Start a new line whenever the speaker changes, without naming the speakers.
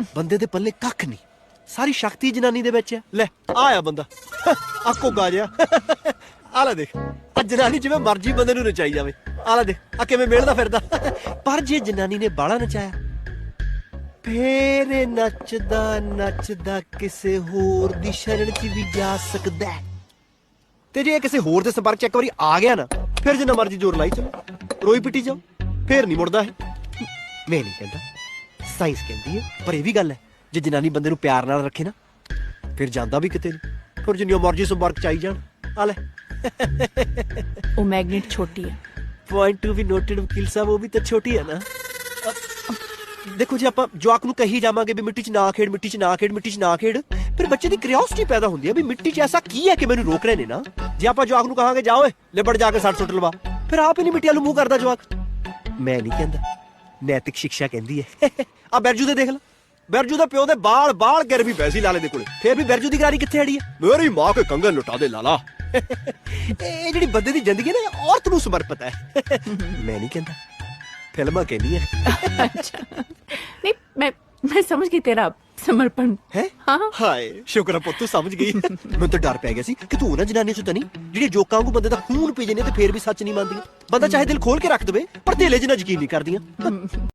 ਬੰਦੇ ਦੇ ਪੱਲੇ ਕੱਖ ਨਹੀਂ, ਸਾਰੀ ਸ਼ਕਤੀ ਜਨਾਨੀ ਦੇ ਵਿੱਚ ਹੈ। ਲੈ ਆਇਆ ਬੰਦਾ ਆ ਕੋਗਾ ਜਿਹਾ ਆ ਲੈ ਦੇਖ, ਆ ਜਨਾਨੀ ਜਿਵੇਂ ਮਰਜੀ ਬੰਦੇ ਨੂੰ ਨਚਾਈ ਜਾਵੇ। ਆ ਲੈ ਦੇਖ ਆ ਕਿਵੇਂ ਮੇਲਦਾ ਫਿਰਦਾ। ਪਰ ਜੇ ਜਨਾਨੀ ਨੇ ਬਾਲਾ ਨਚਾਇਆ ਫੇਰ ਇਹ ਨੱਚਦਾ ਨੱਚਦਾ ਕਿਸੇ ਹੋਰ ਦੀ ਸ਼ਰਨ 'ਚ ਵੀ ਜਾ ਸਕਦਾ ਹੈ। ਤੇ ਜੇ ਕਿਸੇ ਹੋਰ ਦੇ ਸੰਪਰਕ 'ਚ ਇੱਕ ਵਾਰੀ ਆ ਗਿਆ ਨਾ, ਫਿਰ ਜਿੰਨਾ ਮਰਜੀ ਜ਼ੋਰ ਲਾਈ ਚਲੋ, ਰੋਈ ਪਿੱਟੀ ਜਾਓ, ਫੇਰ ਨਹੀਂ ਮੁੜਦਾ ਹੈ। ਮੈਂ ਨਹੀਂ ਕਹਿੰਦਾ, ਸਾਇੰਸ ਕਹਿੰਦੀ ਹੈ। ਪਰ ਇਹ ਵੀ ਗੱਲ ਹੈ, ਜੇ ਜਨਾਨੀ ਬੰਦੇ ਨੂੰ ਪਿਆਰ ਨਾਲ ਰੱਖੇ ਨਾ, ਫਿਰ ਜਾਂਦਾ ਵੀ ਕਿਤੇ ਨਹੀਂ। ਫਿਰ ਜਿੰਨੀਆਂ ਮਰਜੀ ਸੰਪਰਕ 'ਚ ਆਈ ਜਾਣ। ਆ ਲੈ
ਉਹ ਮੈਗਨੇਟ ਛੋਟੀ ਹੈ।
ਪੁਆਇੰਟ ਟੂ ਬੀ ਨੋਟਡ ਵਕੀਲ ਸਾਹਿਬ, ਉਹ ਵੀ ਤਾਂ ਛੋਟੀ ਹੈ ਨਾ। ਦੇਖੋ ਜੇ ਆਪਾਂ ਜਵਾਕ ਨੂੰ ਕਹੀ ਜਾਵਾਂਗੇ ਵੀ ਮਿੱਟੀ 'ਚ ਨਾ ਖੇਡ, ਮਿੱਟੀ 'ਚ ਨਾ ਖੇਡ, ਮਿੱਟੀ 'ਚ ਨਾ ਖੇਡ, ਫਿਰ ਬੱਚੇ ਦੀ ਕਿਉਰਿਓਸਿਟੀ ਪੈਦਾ ਹੁੰਦੀ ਹੈ ਵੀ ਮਿੱਟੀ 'ਚ ਐਸਾ ਕੀ ਹੈ ਕਿ ਮੈਨੂੰ ਰੋਕ ਰਹੇ ਨੇ ਨਾ। ਜੇ ਆਪਾਂ ਜਵਾਕ ਨੂੰ ਕਹਾਂਗੇ ਜਾ ਓਏ ਲਿਬੜ ਜਾ ਕੇ ਸੱਟ ਸੁੱਟ ਲਵਾ, ਫਿਰ ਆਪ ਹੀ ਨਹੀਂ ਮਿੱਟੀ ਵੱਲ ਮੂੰਹ ਕਰਦਾ ਜਵਾਕ। ਮੈਂ ਨਹੀਂ ਕਹਿੰਦਾ, ਨੈਤਿਕ ਸਿੱਖਿਆ ਕਹਿੰਦੀ ਹੈ। ਆ ਬਿਰਜੂ ਦੇ ਦੇਖ ਲੈ, ਬਿਰਜੂ ਦੇ ਪਿਓ ਦੇ ਬਾਲ ਗਿਰ ਵੀ ਪੈ ਸੀ ਲਾਲੇ ਦੇ ਕੋਲੇ, ਫਿਰ ਵੀ ਬਿਰਜੂ ਦੀ ਗਰਾਰੀ ਕਿੱਥੇ ਅੜੀ ਹੈ? ਮੇਰੀ ਮਾਂ ਕੇ ਕੰਗਨ ਲੁਟਾ ਦੇ ਲਾਲਾ। ਇਹ ਜਿਹੜੀ ਬੰਦੇ ਦੀ ਜ਼ਿੰਦਗੀ ਹੈ ਨਾ, ਔਰਤ ਨੂੰ ਸਮਰਪਿਤ ਹੈ। ਮੈਂ ਨਹੀਂ ਕਹਿੰਦਾ, ਫਿਲਮਾਂ ਕਹਿੰਦੀ ਹੈ।
ਨਹੀਂ, ਮੈਂ ਸਮਝ ਗਈ ਤੇਰਾ ਸਮਰਪਣ
ਹੈ।
ਹਾਂ
ਹਾਏ ਸ਼ੁਕਰ ਹੈ ਪੁੱਤ ਤੂੰ ਸਮਝ ਗਈ। ਮੈਨੂੰ ਤਾਂ ਡਰ ਪੈ ਗਿਆ ਸੀ ਕਿ ਤੂੰ ਉਹਨਾਂ ਜਨਾਨੀਆਂ ਚੋਂ ਤਾਂ ਨਹੀਂ ਜਿਹੜੀ ਜੋਕਾਂ ਵਾਂਗੂ ਬੰਦੇ ਦਾ ਖੂਨ ਪੀ ਜਾਂਦੀਆਂ ਤੇ ਫੇਰ ਵੀ ਸੱਚ ਨਹੀਂ ਮੰਨਦੀਆਂ। ਬੰਦਾ ਚਾਹੇ ਦਿਲ ਖੋਲ ਕੇ ਰੱਖ ਦੇਵੇ ਪਰ ਧੇਲੇ ਜਿਹਾ ਯਕੀਨ ਨਹੀਂ ਕਰਦੀਆਂ।